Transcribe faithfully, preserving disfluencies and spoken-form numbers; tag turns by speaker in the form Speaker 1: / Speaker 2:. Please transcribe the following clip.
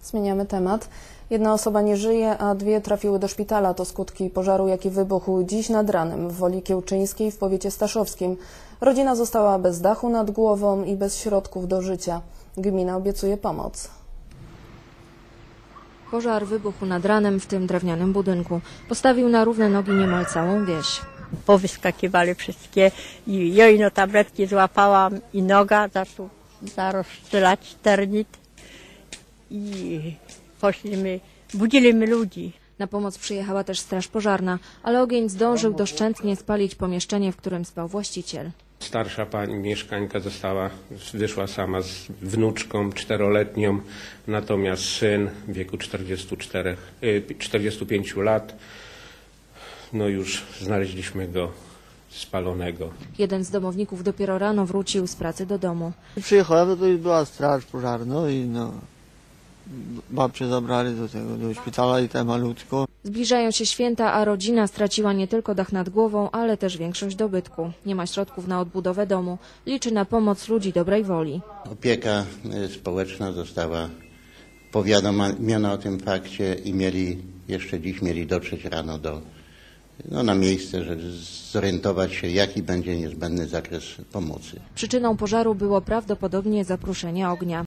Speaker 1: Zmieniamy temat. Jedna osoba nie żyje, a dwie trafiły do szpitala. To skutki pożaru, jaki wybuchł dziś nad ranem w Woli Kiełczyńskiej w powiecie staszowskim. Rodzina została bez dachu nad głową i bez środków do życia. Gmina obiecuje pomoc.
Speaker 2: Pożar wybuchł nad ranem w tym drewnianym budynku. Postawił na równe nogi niemal całą wieś.
Speaker 3: Powyskakiwali wszystkie i jojno tabletki złapałam i noga zaczął zarozstrzelać ternit i poszliśmy, budziliśmy ludzi.
Speaker 2: Na pomoc przyjechała też straż pożarna, ale ogień zdążył doszczętnie spalić pomieszczenie, w którym spał właściciel.
Speaker 4: Starsza pani mieszkańka została, wyszła sama z wnuczką czteroletnią, natomiast syn w wieku czterdziestu czterech, czterdziestu pięciu lat, no już znaleźliśmy go spalonego.
Speaker 2: Jeden z domowników dopiero rano wrócił z pracy do domu.
Speaker 5: Przyjechałem, no to już była straż pożarna i no, babcię zabrali do tego, do szpitala i te malutko.
Speaker 2: Zbliżają się święta, a rodzina straciła nie tylko dach nad głową, ale też większość dobytku. Nie ma środków na odbudowę domu. Liczy na pomoc ludzi dobrej woli.
Speaker 6: Opieka społeczna została powiadomiona o tym fakcie i mieli, jeszcze dziś mieli dotrzeć rano do, no, na miejsce, żeby zorientować się, jaki będzie niezbędny zakres pomocy.
Speaker 2: Przyczyną pożaru było prawdopodobnie zapruszenie ognia.